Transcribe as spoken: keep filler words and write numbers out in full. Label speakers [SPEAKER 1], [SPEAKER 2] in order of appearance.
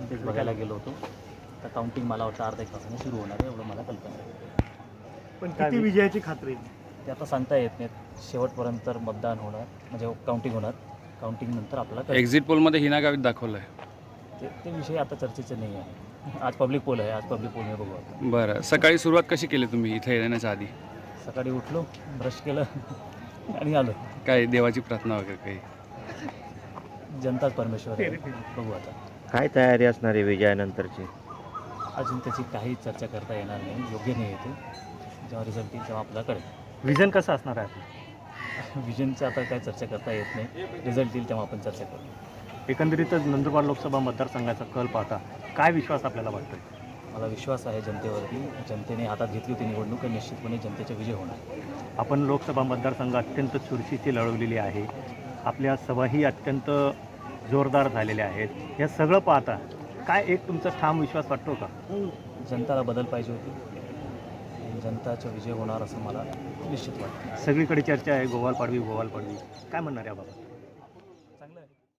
[SPEAKER 1] तेच बघायला गेलो होतो. तर काउंटिंग मला वाटतं अर्धा एक तासाने सुरू होणार आहे, एवढं मला कल्पना आहे.
[SPEAKER 2] पण किती विजयाची खात्री?
[SPEAKER 1] ते आता सांगता येत नाहीत. शेवटपर्यंत मतदान होणार, म्हणजे काउंटिंग होणार. काउंटिंगनंतर आपल्याला कळेल.
[SPEAKER 3] एक्झिट पोलमध्ये हिना गावित दाखवलं आहे.
[SPEAKER 1] ते ते विषय आता चर्चेचे नाही आहे. आज पब्लिक पोल आहे, आज पब्लिक पोलने बघू आता.
[SPEAKER 3] बरं, सकाळी सुरुवात कशी केली तुम्ही इथे येण्याच्या आधी?
[SPEAKER 1] सकाळी उठलो, ब्रश केलं आणि आलो.
[SPEAKER 3] काय देवाची प्रार्थना वगैरे काही?
[SPEAKER 1] जनताच परमेश्वर आहे, बघू आता.
[SPEAKER 4] काय तयारी असणार आहे विजयानंतरची?
[SPEAKER 1] अजून त्याची काही चर्चा करता येणार नाही, योग्य नाही येते. जेव्हा रिझल्ट येईल तेव्हा आपल्याला कळेल.
[SPEAKER 2] विजन कसं असणार आहे आपलं?
[SPEAKER 1] विजनचं आता काय चर्चा करता येत नाही. रिझल्ट येईल तेव्हा आपण चर्चा करू.
[SPEAKER 2] एकंदरीतच नंदुरबार लोकसभा मतदारसंघाचा कल पाहता काय विश्वास आपल्याला वाटतोय?
[SPEAKER 1] मला विश्वास आहे जनतेवरती. जनतेने हातात घेतली होती निवडणूक आणि निश्चितपणे जनतेचा विजय होणार.
[SPEAKER 2] आपण लोकसभा मतदारसंघ अत्यंत चुरशीची लढवलेली आहे. आपल्या सभाही अत्यंत जोरदार झालेल्या आहेत. हे सगळं पाहता काय एक तुमचा ठाम विश्वास वाटतो का?
[SPEAKER 1] जनताला बदल पाहिजे होती. आणि जनताचा विजय होणार असं मला निश्चित वाटतं.
[SPEAKER 2] सगळीकडे चर्चा आहे गोवाल पाडवी गोवाल पाडवी, काय म्हणणार याबाबत?